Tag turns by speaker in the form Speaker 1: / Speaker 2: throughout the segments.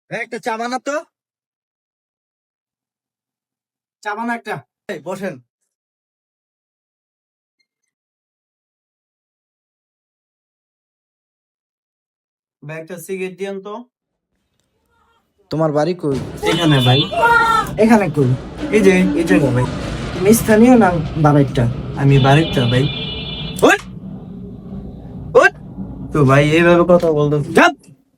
Speaker 1: একটা চা বানা তো, চা বানা একটা। বসেন। ভাই একটা সিগারেট দিয়েন তো। তোমার বাড়ি কই? এখানে ভাই। এখানে কই? এই যে এই জায়গা ভাই। তুমি স্থানীয় না বাড়িটা? আমি বাড়িটা ভাই। ওঠ ওঠ। তো ভাই এইভাবে কথা বলতো যাব।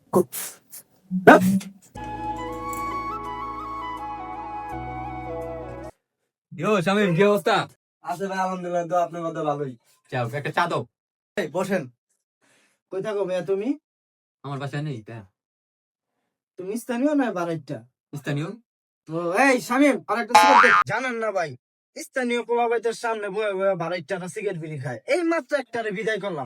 Speaker 2: ইয়ো শামিম, কি অবস্থা?
Speaker 1: আছে ভাই, আলহামদুলিল্লাহ, তো আপনার মধ্যে ভালোই।
Speaker 2: যাও একটা চা দাও।
Speaker 1: বসেন। কই থাকো ভাইয়া তুমি?
Speaker 2: আমার বাসায় নেই তা।
Speaker 1: তুমি স্থানীয় না বাড়িটা?
Speaker 2: স্থানীয়।
Speaker 1: তো এই শামিম, আরেকটা সিগারেট দে। জানেন না ভাই, স্থানীয় পোলাপাইতের সামনে বয়ে বয়ে বাড়িটা সিগারেট বিড়ি খায়। এই মাত্র একটারে বিদায় করলাম,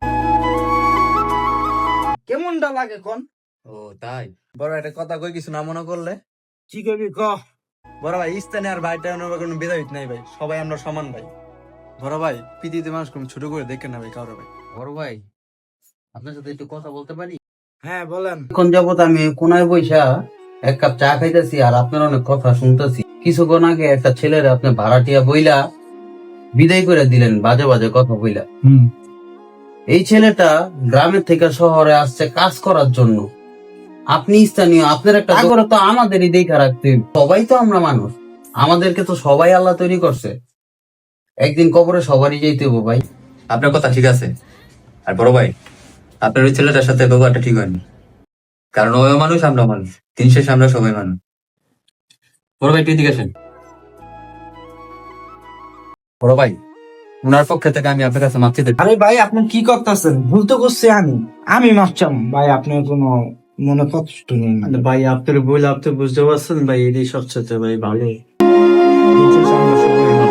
Speaker 1: কেমনটা লাগে কোন?
Speaker 2: ও তাই? বড় একটা কথা কই, কিছু না মনে করলে।
Speaker 1: কি করবি ক?
Speaker 2: বড় ভাই, স্থানে আর ভাইটা কোনো ভেদাভেদ নাই ভাই, সবাই আমরা সমান ভাই। বড় ভাই, পৃথিবীতে মানুষ কোনো ছোট করে দেখে না ভাই কারো ভাই।
Speaker 3: বড় ভাই, আপনার সাথে একটু কথা বলতে পারি?
Speaker 1: হ্যাঁ বলেন।
Speaker 3: এখন যাবত আমি কোনায় বইসা এক কাপ চা খাইতেছি আর আপনার অনেক কথা শুনতেছি। কিছুক্ষণ আগে একটা ছেলের আপনি ভাড়াটিয়া বইলা বিদায় করে দিলেন, বাজে বাজে কথা বইলা। এই ছেলেটা গ্রামের থেকে শহরে আসছে কাজ করার জন্য। আপনি স্থানীয়, আপনার একটা করে তো আমাদেরই দেখা রাখতে হইব। সবাই তো আমরা মানুষ, আমাদেরকে তো সবাই আল্লাহ তৈরি করছে। একদিন কবরে সবারই যেতে হবো ভাই।
Speaker 2: আপনার কথা ঠিক আছে। আর বড় ভাই, আপনার ওই ছেলেটার সাথে ব্যবহারটা ঠিক হয়নি, কারণ ওই মানুষ, আমরা মানুষ, দিন শেষে আমরা সবাই মানুষ। বড় ভাই, তুই এদিকে আসেন। বড় ভাই, উনার পক্ষ থেকে আমি আপনার কাছে মাপ চাইতে।
Speaker 1: আরে ভাই, আপনি কি করতেছেন? ভুল তো করছি আমি মাপচাম ভাই, আপনার কোনো মনে কষ্ট নেই না।
Speaker 4: ভাই আপনার বই আপনি বুঝতে পারছেন ভাই, এটাই সবচেয়ে ভাই ভালো।
Speaker 1: দিন শেষে আমরা সবাই